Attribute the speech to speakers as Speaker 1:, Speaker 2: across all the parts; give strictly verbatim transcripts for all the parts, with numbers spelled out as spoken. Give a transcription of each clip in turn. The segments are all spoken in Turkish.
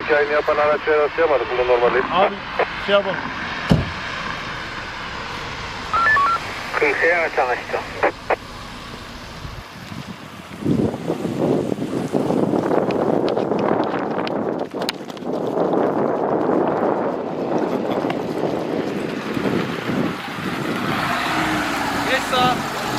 Speaker 1: yayını yapan araçlara rastlayamadık. Bunu normalde.
Speaker 2: Abi şey yapalım.
Speaker 3: Kırkaya çalıştı.
Speaker 4: Geç sağa.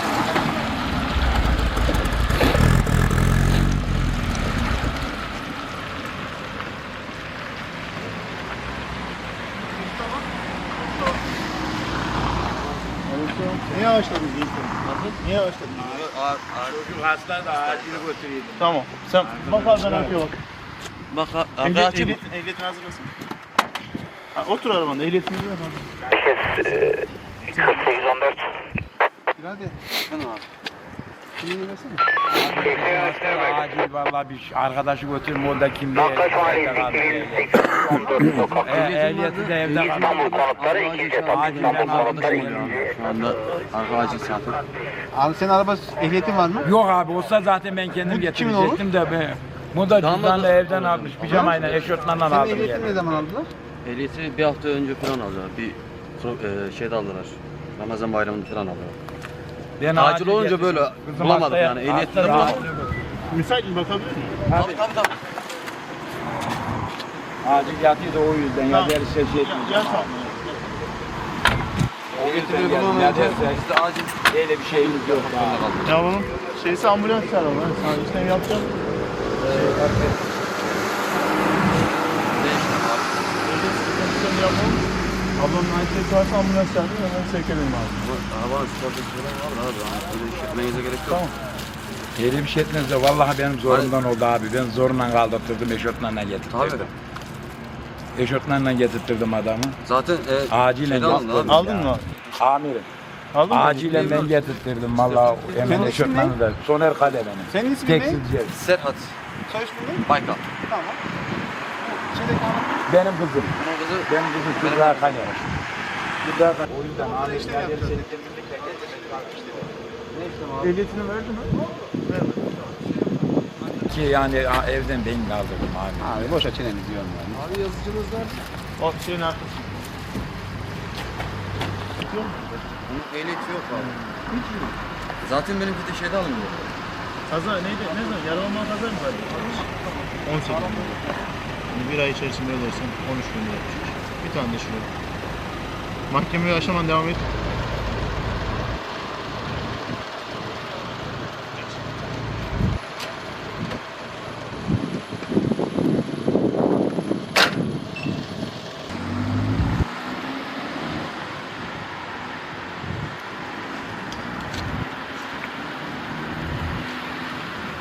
Speaker 2: Niye yavaşladın Yiğit? Niye yavaşladın?
Speaker 4: Çocuk hasta da acili götüreydim.
Speaker 2: Tamam. Sen bak abi ben arkaya bak.
Speaker 4: Bak
Speaker 2: Ehliyet,
Speaker 4: arkadaşım.
Speaker 2: ehliyet, ehliyetini hazırlasın. Ha, otur arabanda ehliyetini ver abi.
Speaker 3: kırk sekiz on dört.
Speaker 2: Hadi. Şimdi versene.
Speaker 5: Acil vallahi bir arkadaşı götürüm orada kimliği
Speaker 3: Nakkaş Mahallesi
Speaker 5: evde kaldı.
Speaker 3: iki bin sekiz yüz on dört sokak.
Speaker 5: E, ehliyeti de evde kaldı.
Speaker 3: İstanbul konutları ikinci etap.
Speaker 5: Acil ben
Speaker 3: İstanbul konutları
Speaker 5: almışım
Speaker 3: ikinci
Speaker 5: ya.
Speaker 3: etap.
Speaker 4: Şu anda arka acil saati.
Speaker 2: Abi senin araba ehliyetin var mı?
Speaker 5: Yok abi olsa zaten ben kendim
Speaker 2: Bu kimin oğlu?
Speaker 5: getirecektim de ben. Bu da cüzdanla evden almış pijamayla eşortmanla
Speaker 2: Senin
Speaker 5: aldım
Speaker 2: ehliyetini
Speaker 5: yani.
Speaker 2: ne zaman aldılar?
Speaker 4: Ehliyeti bir hafta önce falan aldılar. Bir pro- e, şeyde aldılar. Ramazan bayramında falan aldılar.
Speaker 5: Ben
Speaker 4: Acil olunca
Speaker 5: getirdim.
Speaker 4: böyle
Speaker 5: Kızım
Speaker 4: bulamadık
Speaker 5: hastaya-
Speaker 4: yani, ehliyetini de
Speaker 5: hastaya
Speaker 4: bulamadık.
Speaker 5: acil götürdüm.
Speaker 2: Müsait mi bakabilir miyim?
Speaker 4: Tabii tabii tabii.
Speaker 5: Acil yatıyor da o yüzden ya
Speaker 2: Tamam.
Speaker 5: derse şey
Speaker 2: Gel,
Speaker 5: etmeyeceğim.
Speaker 2: gel sağ ol.
Speaker 5: O yüzden
Speaker 4: Ehliyetini
Speaker 5: geldim. Ya
Speaker 4: bulamayınca
Speaker 5: derse
Speaker 4: biz de acil
Speaker 5: öyle bir şeyimiz yok ya.
Speaker 2: Ya bunun şeysi ambulans çağıralım. Ben sana işlem yapacağım.
Speaker 4: değişti abi.
Speaker 2: Ehliyet sıkıntısını yapalım. Ablamın aitiyeti varsa ambulans çağırayım hemen sevk edelim abi.
Speaker 4: Bu arabanın sigortası falan var da abi. Yani öyle iş yapmanıza gerek yok.
Speaker 2: Tamam.
Speaker 5: Öyle bir şey etmez de vallahi benim zorumdan oldu abi. Ben zorla kaldırttırdım eşortmanla getirttirdim.
Speaker 4: Tabii.
Speaker 5: Eşortmanla getirttirdim adamı.
Speaker 4: Zaten e,
Speaker 5: Acilen
Speaker 4: şeyde alındı
Speaker 5: getirttirdim.
Speaker 4: abi.
Speaker 2: Aldın mı?
Speaker 5: Amirim.
Speaker 2: Aldın mı?
Speaker 5: Acilen ben getirttirdim vallahi hemen
Speaker 2: Senin ismin
Speaker 5: eşortmanı da. Soner Kale benim.
Speaker 2: Senin ismin ne?
Speaker 5: Tekstilci.
Speaker 4: Serhat
Speaker 2: Soy ismin ne?
Speaker 4: Baykal.
Speaker 2: Tamam. Şeydeki hanım.
Speaker 5: Benim kızım.
Speaker 4: Bunun kızı
Speaker 5: Benim kızım Kübra Kale. Kübra Kale. O yüzden
Speaker 2: Burada
Speaker 5: amirim
Speaker 2: işlem
Speaker 5: her
Speaker 2: yapacağız.
Speaker 5: şey.
Speaker 2: Ehliyetini verdi mi? Verdi.
Speaker 5: Ki yani ha, evden ben kaldırdım abi.
Speaker 2: Abi boşa çeneni diyorum yani.
Speaker 4: Abi yazıcınız var.
Speaker 2: O şeyin arkası.
Speaker 4: Bunun ehliyeti yok abi. Zaten benimki de şeyde alındı.
Speaker 2: Kaza neydi? Ne zaman? Yaralanma kaza mı var? on sekiz. Yani bir ay içerisinde ödersen on üç bin lira. Bir tane de şuraya. Mahkemeye aşaman devam et.